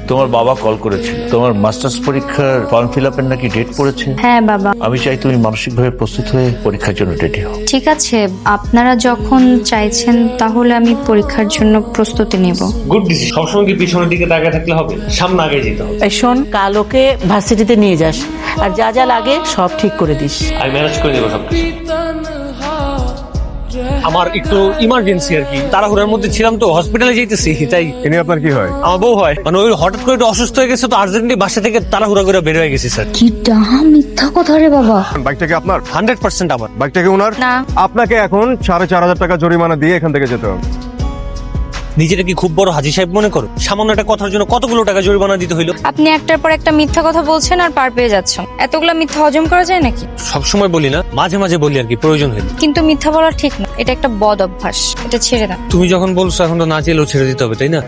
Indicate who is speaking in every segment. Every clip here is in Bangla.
Speaker 1: তোমার বাবা কল করেছিল, তোমার মাস্টার্স পরীক্ষার ফর্ম ফিল আপের নাকি ডেট পড়েছে।
Speaker 2: হ্যাঁ বাবা।
Speaker 1: আমি চাই তুমি মানসিকভাবে প্রস্তুত হয়ে পরীক্ষার জন্য রেডি হও।
Speaker 2: ঠিক আছে, আপনারা যখন চাইছেন তাহলে আমি পরীক্ষার জন্য প্রস্তুতি নেব।
Speaker 3: Good decision. সবসময় কি পিছনের দিকে তাকিয়ে থাকলে হবে? সামনে আগে যেতে হবে।
Speaker 4: এই শোন, কাল ওকে ভার্সিটিতে নিয়ে যাস, আর যা যা লাগে সব ঠিক করে দিস।
Speaker 3: আমি ম্যানেজ করে দেবো সবকিছু। আমার একটু ইমার্জেন্সি আর কি, তাড়াহুড়ার মধ্যে ছিলাম তো, হসপিটালে যেতেছি তাই।
Speaker 5: ইনি আপনার কি হয়?
Speaker 3: আমার বউ হয়, মানে ওই হঠাৎ করে একটু অসুস্থ হয়ে গেছে তো আর্জেন্টলি বাসা থেকে তাড়াহুড়া করে বের হয়ে গেছি স্যার।
Speaker 2: কি ডাহা মিথ্যা কথা রে বাবা।
Speaker 5: বাইকটাকে আপনার?
Speaker 3: 100% আমার।
Speaker 5: বাইকটাকে ওনার?
Speaker 2: না।
Speaker 5: আপনাকে এখন 4,500 টাকা জরিমানা দিয়ে এখান থেকে যেতে হবে।
Speaker 3: নিজেটা কি খুব বড় হাজি সাহেব মনে করো? সামান্য একটা কথার জন্য কতগুলো টাকা জরিমানা দিতে হইলো।
Speaker 2: আপনি একটার পর একটা মিথ্যা কথা বলছেন আর পার পেয়ে যাচ্ছেন। এতগুলা মিথ্যা হজম করা যায় নাকি?
Speaker 3: সবসময় বলি না, মাঝে মাঝে বলি আর কি, প্রয়োজন হইলে।
Speaker 2: কিন্তু মিথ্যা বলা ঠিক না, এটা একটা বদ অভ্যাস, এটা ছেড়ে দাও।
Speaker 3: তুমি যখন বলছো এখন তো না চাইলেও ছেড়ে দিতে হবে, তাই না?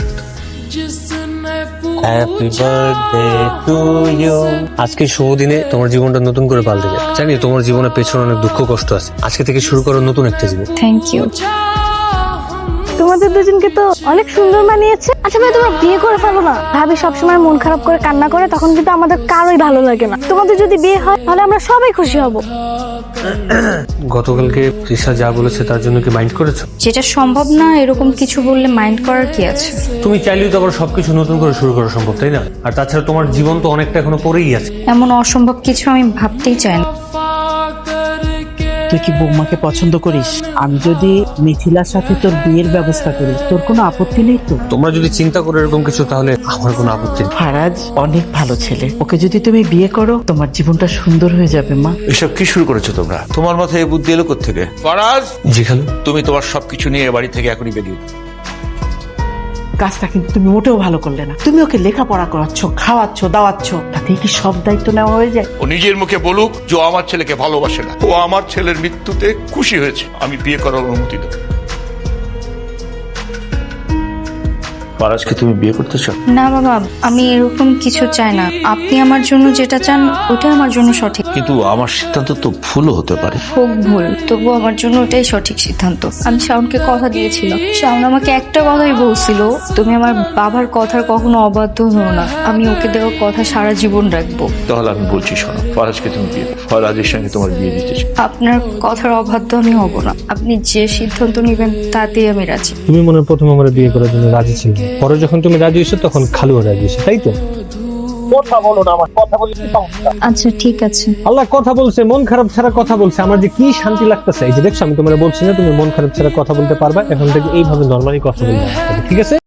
Speaker 3: Happy birthday to you. আজকে শুভ দিনে তোমার জীবনটা নতুন করে পাল্টে যাবে। জানি তোমার জীবনের পেছনে অনেক দুঃখ কষ্ট আছে, আজকে থেকে শুরু করো নতুন একটা জীবন।
Speaker 2: Thank you.
Speaker 6: তোমাদের দুজনকে তো অনেক সুন্দর মানিয়েছে। আচ্ছা ভাই, তোমরা বিয়ে করে ফেলো না। ভাবি সবসময় মন খারাপ করে কান্না করে, তখন কিন্তু আমাদের কারোই ভালো লাগে না। তোমাদের যদি বিয়ে হয় তাহলে আমরা সবাই খুশি হব।
Speaker 3: গতকালকে তৃষা যা বলেছে তার জন্য কি মাইন্ড করেছো?
Speaker 2: যেটা সম্ভব না এরকম কিছু বললে মাইন্ড করার কি আছে?
Speaker 3: তুমি চাইলেই তো আবার সবকিছু নতুন করে শুরু করা সম্ভব, তাই না? আর তাছাড়া তোমার জীবন তো অনেকটা এখনো পড়েই আছে।
Speaker 2: এমন অসম্ভব কিছু আমি ভাবতেই চাই না।
Speaker 4: তুই কি বৌমাকে পছন্দ করিস? আমি যদি মিথিলার সাথে তোর বিয়ের ব্যবস্থা করি, তোর কোনো আপত্তি নেই তো?
Speaker 3: তোমরা যদি চিন্তা করো এরকম কিছু, তাহলে আমার কোনো আপত্তি নেই।
Speaker 4: ফারাজ অনেক ভালো ছেলে, ওকে যদি তুমি বিয়ে করো তোমার জীবনটা সুন্দর হয়ে যাবে মা।
Speaker 1: এসব কি শুরু করেছো তোমরা? তোমার মাথায় এই বুদ্ধি এলো কোত্থেকে? ফরাজ,
Speaker 3: জি খালু।
Speaker 1: তুমি তোমার সবকিছু নিয়ে বাড়ি থেকে এখনই বেরিয়ে যাও।
Speaker 4: কাজটা কিন্তু তুমি মোটেও ভালো করলে না। তুমি ওকে লেখাপড়া করাচ্ছ, খাওয়াচ্ছ, দাওয়াচ্ছ, তাতে কি সব দায়িত্ব নেওয়া হয়ে যায়?
Speaker 1: ও নিজের মুখে বলুক যে ও আমার ছেলেকে ভালোবাসে না, ও আমার ছেলের মৃত্যুতে খুশি হয়েছে, আমি বিয়ে করার অনুমতি দেব। ফরাজকে তুমি বিয়ে করতে চাও?
Speaker 2: না বাবা, আমি এরকম কিছু চাই না। আপনি আমার জন্য যেটা চান ওটা আমার জন্য সঠিক।
Speaker 1: কিন্তু আমার সিদ্ধান্ত তো ভুলও হতে পারে।
Speaker 2: হোক ভুল, তবু আমার জন্য ওটাই সঠিক সিদ্ধান্ত। আমি শাওনকে কথা দিয়েছিলাম, শাওন আমাকে একটা কথাই বলছিল, তুমি আমার বাবার কথার কখনো অবাধ্য হও না। আমি ওকে দেওয়া কথা সারা জীবন রাখবো।
Speaker 1: তাহলে আমি বলছি শোনো, ফরাজকে তুমি বিয়ে করো। ফরাজের সঙ্গে তোমার বিয়ে দিতে চাই।
Speaker 2: আপনার কথার অবাধ্য আমি হব না। আপনি যে সিদ্ধান্ত নেবেন তাতেই আমি রাজি।
Speaker 3: তুমি মনে হয় প্রথম আমার বিয়ে করার জন্য রাজি ছিল, পরে যখন তুমি রাজি হয়েছো তখন খালুও রাজি হয়েছে, তাই তো? কথা বলো না, আমার কথা বলে কি সমস্যা?
Speaker 2: আচ্ছা ঠিক আছে।
Speaker 3: আল্লাহ কথা বলছে, মন খারাপ ছাড়া কথা বলছে, আমার যে কি শান্তি লাগতেছে। এই যে দেখছো, আমি তোমার বলছি না তুমি মন খারাপ ছাড়া কথা বলতে পারবা, এখন থেকে এইভাবে নর্মালি কথা বলতে হবে, ঠিক আছে?